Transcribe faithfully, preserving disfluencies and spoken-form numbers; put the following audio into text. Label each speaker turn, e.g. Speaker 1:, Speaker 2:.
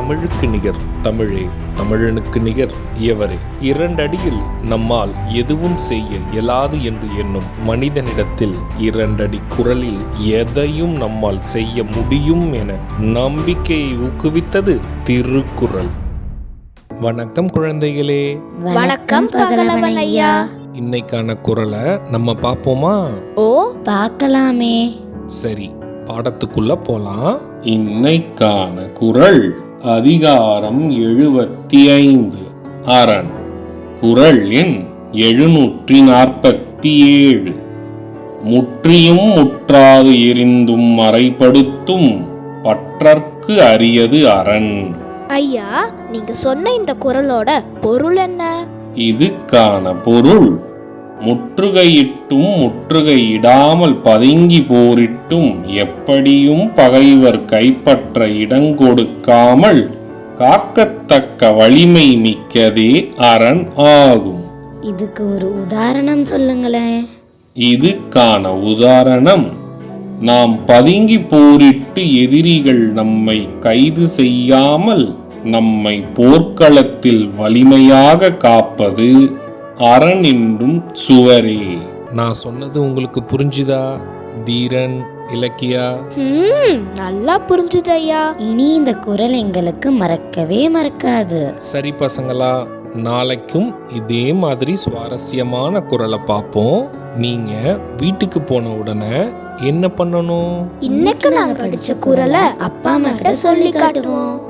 Speaker 1: தமிழுக்கு நிகர் தமிழே, தமிழனுக்கு நிகர் எவரே. இரண்டடியில் நம்மால் எதுவும் செய்ய இயலாது என்று எண்ணும் மனிதனிடத்தில் இரண்டடி குரலில் எதையும் நம்மால் செய்ய முடியும் என நம்பிக்கையை ஊக்குவித்தது திருக்குறள். வணக்கம் குழந்தைகளே.
Speaker 2: வணக்கம் பகலவன் ஐயா.
Speaker 1: இன்னைக்கான குறளை நம்ம பார்ப்போமா?
Speaker 2: ஓ, பார்க்கலாமே.
Speaker 1: சரி, பாடத்துக்குள்ள போலாம். இன்னைக்கான குறள் அதிகாரம் எழுபத்தி ஐந்து, அரண். குறள் எண் எழுநூற்றி நாற்பத்தி ஏழு. முற்றியும் முற்றாது எரிந்தும் மறைப்படுத்தும் பற்றற்கு அரியது அரண்.
Speaker 2: ஐயா, நீங்க சொன்ன இந்த குறளோட பொருள் என்ன?
Speaker 1: இதுக்கான பொருள், முற்றுகையிட்டும் முற்றுகையிடாமல் பதுங்கி போரிட்டும் எப்படியும் பகைவர் கைப்பற்ற இடங்கொடுக்காமல் காக்கத்தக்க வலிமை மிக்கதே அரண் ஆகும்.
Speaker 2: இதுக்கு ஒரு உதாரணம் சொல்லுங்களேன்.
Speaker 1: இதுக்கான உதாரணம், நாம் பதுங்கி போரிட்டு எதிரிகள் நம்மை கைது செய்யாமல் நம்மை போர்க்களத்தில் வலிமையாக காப்பது அரண் என்றும் சுவரே. நான் சொன்னது உங்களுக்கு புரிஞ்சுதா தீரன், இலக்கியா?
Speaker 2: நல்லா புரிஞ்சுது ஐயா. இனி இந்த குறள் எங்களுக்கு மறக்கவே மறக்காது.
Speaker 1: சரி பசங்களா, நாளைக்கும் இதே மாதிரி சுவாரஸ்யமான குறளை பார்ப்போம். நீங்க வீட்டுக்கு போன உடனே என்ன பண்ணணும்?
Speaker 2: இன்னைக்கு நாங்க படிச்ச குறளை அப்பா அம்மா கிட்ட சொல்லி காட்டுவோம்.